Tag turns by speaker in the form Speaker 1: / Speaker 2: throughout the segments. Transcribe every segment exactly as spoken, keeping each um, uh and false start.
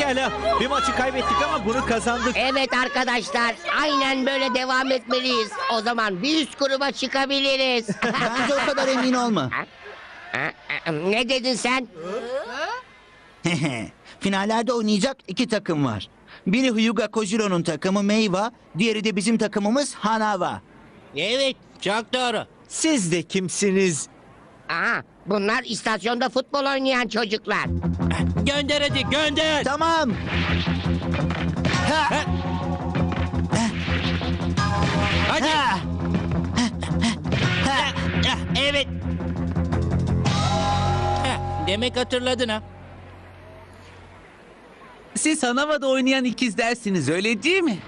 Speaker 1: Pekala. Bir maçı kaybettik ama bunu kazandık.
Speaker 2: Evet arkadaşlar, aynen böyle devam etmeliyiz. O zaman bir üst gruba çıkabiliriz.
Speaker 3: Bence o kadar emin olma.
Speaker 2: Ne dedin sen?
Speaker 3: Finallerde oynayacak iki takım var. Biri Hyuga Kojiro'nun takımı Meiwa, diğeri de bizim takımımız Hanawa.
Speaker 4: Evet, çok doğru.
Speaker 1: Siz de kimsiniz?
Speaker 2: Aha, bunlar istasyonda futbol oynayan çocuklar.
Speaker 4: Gönder hadi, gönder.
Speaker 3: Tamam. Ha,
Speaker 4: Hadi.
Speaker 3: ha.
Speaker 4: Ah, evet. Heh, demek hatırladın ha.
Speaker 5: Siz Hanava'da oynayan ikizlersiniz, öyle değil mi?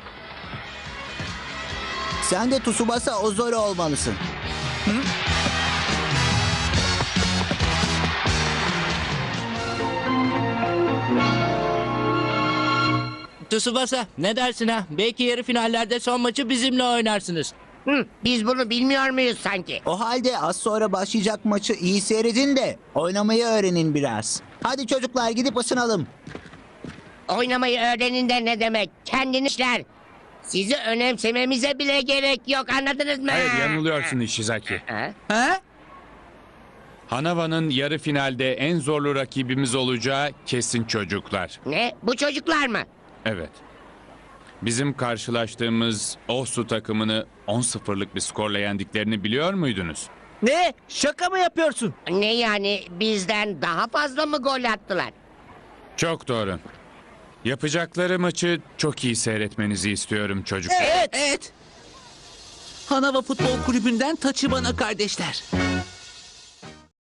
Speaker 3: Sen de Tsubasa Ozora olmalısın.
Speaker 4: Tsubasa, ne dersin ha? Belki yarı finallerde son maçı bizimle oynarsınız.
Speaker 2: Hı, biz bunu bilmiyor muyuz sanki?
Speaker 3: O halde az sonra başlayacak maçı iyi seyredin de oynamayı öğrenin biraz. Hadi çocuklar gidip ısınalım.
Speaker 2: Oynamayı öğrenin de ne demek? Kendinizler. Sizi önemsememize bile gerek yok, anladınız mı?
Speaker 6: Hayır, yanılıyorsun Ishizaki.
Speaker 2: Ha?
Speaker 5: Ha?
Speaker 6: Hanawa'nın yarı finalde en zorlu rakibimiz olacağı kesin çocuklar.
Speaker 2: Ne? Bu çocuklar mı?
Speaker 6: Evet. Bizim karşılaştığımız Osu takımını on sıfırlık bir skorla yendiklerini biliyor muydunuz?
Speaker 1: Ne? Şaka mı yapıyorsun?
Speaker 2: Ne yani, bizden daha fazla mı gol attılar?
Speaker 6: Çok doğru. Yapacakları maçı çok iyi seyretmenizi istiyorum çocuklar.
Speaker 5: Evet. Evet. Hanava Futbol Kulübü'nden Tachibana kardeşler.